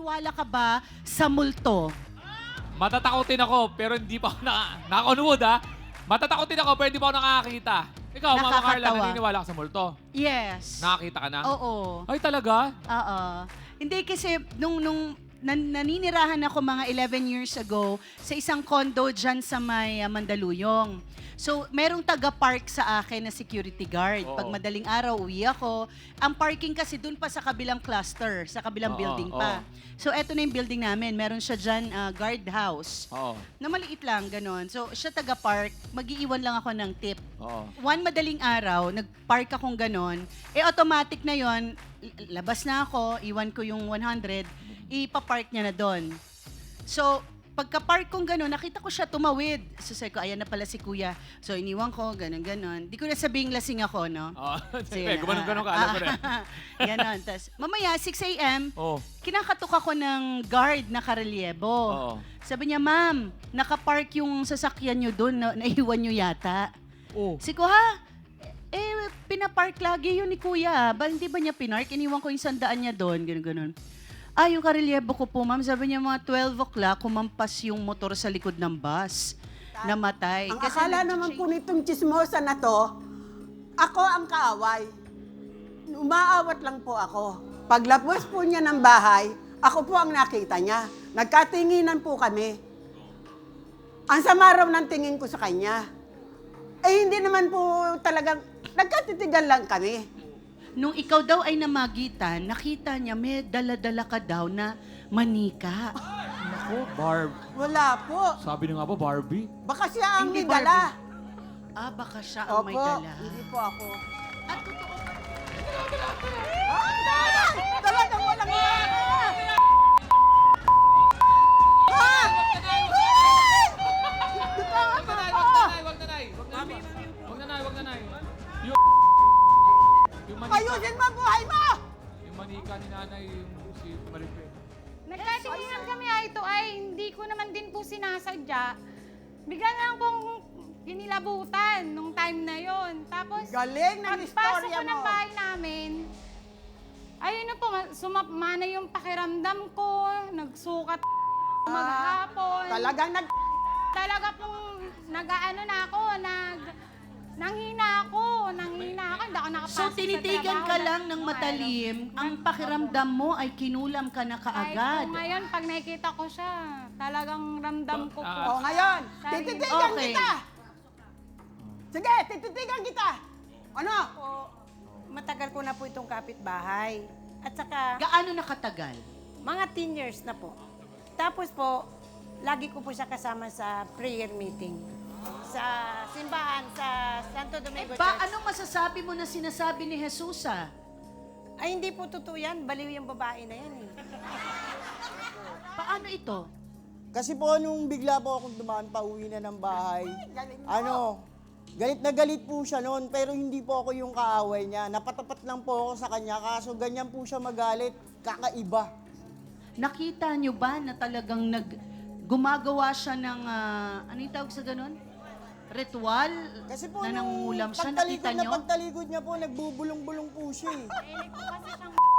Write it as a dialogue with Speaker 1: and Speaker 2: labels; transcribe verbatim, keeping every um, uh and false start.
Speaker 1: naniniwala ka ba sa multo?
Speaker 2: Matatakotin ako, pero hindi pa ako na... Naka-on-wood, ha? Matatakotin ako, pero hindi pa ako nakakakita. Ikaw, Mama Carla,
Speaker 1: Nakakatawa.
Speaker 2: naniniwala ka sa multo?
Speaker 1: Yes.
Speaker 2: Nakakita ka na?
Speaker 1: Oo.
Speaker 2: Ay, talaga?
Speaker 1: Oo. Hindi kasi nung, nung nan- naninirahan ako mga eleven years ago sa isang condo dyan sa may uh, Mandaluyong. So, merong taga-park sa akin na security guard.
Speaker 2: Oo.
Speaker 1: Pag madaling araw, uwi ako. Ang parking kasi dun pa sa kabilang cluster, sa kabilang
Speaker 2: Oo,
Speaker 1: building
Speaker 2: oo.
Speaker 1: pa. So, eto na yung building namin. Meron siya dyan, uh, guard house.
Speaker 2: Oo.
Speaker 1: Na maliit lang, ganon. So, siya taga-park. Mag-iiwan lang ako ng tip.
Speaker 2: Oo.
Speaker 1: One madaling araw, nag-park akong ganon, eh automatic na yon, labas na ako, iwan ko yung one hundred, ipapark niya na doon. So, pagka-park kong ganon, nakita ko siya tumawid. So, sabi ko, ayan na pala si kuya. So, iniwan ko, ganon-ganon. Di ko na sabing lasing ako, no?
Speaker 2: Oo.
Speaker 1: Sige
Speaker 2: Sige,
Speaker 1: na,
Speaker 2: gumanon-ganon ka,
Speaker 1: ah,
Speaker 2: alam ko rin.
Speaker 1: Ganon. Tapos, mamaya, six a.m.,
Speaker 2: Oo.
Speaker 1: kinakatok ako ng guard na karelyebo.
Speaker 2: Oo.
Speaker 1: Sabi niya, ma'am, nakapark yung sasakyan niyo doon, na, naiwan niyo yata.
Speaker 2: Oo.
Speaker 1: Sabi ko, ha? Eh, pinapark lagi yun ni kuya. Ba, hindi ba niya pinark? Iniwan ko yung sandaan niya doon, gano'n, gano'n. Ah, yung karelyebo ko po, ma'am, sabi niya mga twelve o'clock, kumampas yung motor sa likod ng bus. Namatay.
Speaker 3: Ang
Speaker 1: Kasi
Speaker 3: akala
Speaker 1: nag-
Speaker 3: naman po nitong chismosa na to, ako ang kaaway. Umaawat lang po ako. Paglapos po niya ng bahay, ako po ang nakita niya. Nagkatinginan po kami. Ang sama raw ng tingin ko sa kanya. Eh hindi naman po talagang, nagkatitigan lang kami.
Speaker 1: Nung ikaw daw ay namagitan, nakita niya may dala-dala ka daw na manika.
Speaker 2: Ako, Barb.
Speaker 3: Wala po.
Speaker 2: Sabi na nga ba, Barbie?
Speaker 3: Baka siya ang
Speaker 1: Hindi,
Speaker 3: may dala.
Speaker 1: Ah, baka siya ang may
Speaker 3: Opo,
Speaker 1: dala.
Speaker 3: hindi po ako.
Speaker 1: At totoo ba?
Speaker 3: Ah! Talagang walang yan! Ha?
Speaker 2: Wag na, Nay! Wag na, Nay! Wag na, Nay! Wag na, Nay! Wag na, Nay! Yung... Yung manika...
Speaker 3: Ayusin mo ang buhay mo!
Speaker 2: Yung manika ni nanay, yung si Maripe.
Speaker 4: Nagkatinginan kami ay ito ay hindi ko naman din po sinasadya. Bigla na lang pong kinilabutan nung time na yon. Tapos,
Speaker 3: Galing ng
Speaker 4: pagpasok
Speaker 3: istorya
Speaker 4: ko ng
Speaker 3: mo.
Speaker 4: bahay namin, ayun na po, sumapmana yung pakiramdam ko, nagsukat maghapon.
Speaker 3: Talagang nag...
Speaker 4: Talaga pong nag-ano na ako, nag... Nanghina ako, nanghina ako, hindi ako nakapasok
Speaker 1: So, tinitigan
Speaker 4: sa
Speaker 1: ka
Speaker 4: trabaho
Speaker 1: lang
Speaker 4: na-
Speaker 1: ng
Speaker 4: nung
Speaker 1: matalim,
Speaker 4: araw.
Speaker 1: ang pakiramdam mo ay kinulam ka na
Speaker 4: Kahit
Speaker 1: kaagad.
Speaker 4: po ngayon, pag nakikita ko siya, talagang ramdam ko po.
Speaker 2: Ah.
Speaker 3: O ngayon,
Speaker 4: Sorry.
Speaker 3: tititigan
Speaker 1: Okay.
Speaker 3: kita! Sige, tititigan kita! Ano?
Speaker 5: po, matagal ko na po itong kapitbahay. At saka,
Speaker 1: Gaano nakatagal?
Speaker 5: mga ten years na po. Tapos po, lagi ko po siya kasama sa prayer meeting. Sa simbahan, sa Santo Domingo
Speaker 1: Ba,
Speaker 5: Church.
Speaker 1: anong masasabi mo na sinasabi ni Jesus, ah?
Speaker 5: Ay, hindi po totoo yan. Baliw yung babae na yan eh.
Speaker 1: Paano ito?
Speaker 6: Kasi po nung bigla po akong dumaan pa uwi na ng bahay, ano, galit na galit po siya noon pero hindi po ako yung kaaway niya. Napatapat lang po ako sa kanya kaso ganyan po siya magalit, kakaiba.
Speaker 1: Nakita niyo ba na talagang nag gumagawa siya ng, ah, ano yung tawag sa ganun? Ritual?
Speaker 6: Kasi po
Speaker 1: na
Speaker 6: nung
Speaker 1: nangungulam siya,
Speaker 6: pagtalikod
Speaker 1: nakita
Speaker 6: na
Speaker 1: niyo?
Speaker 6: pagtalikod niya po, nagbubulong-bulong po siya eh.
Speaker 4: Mahilig po kasi siyang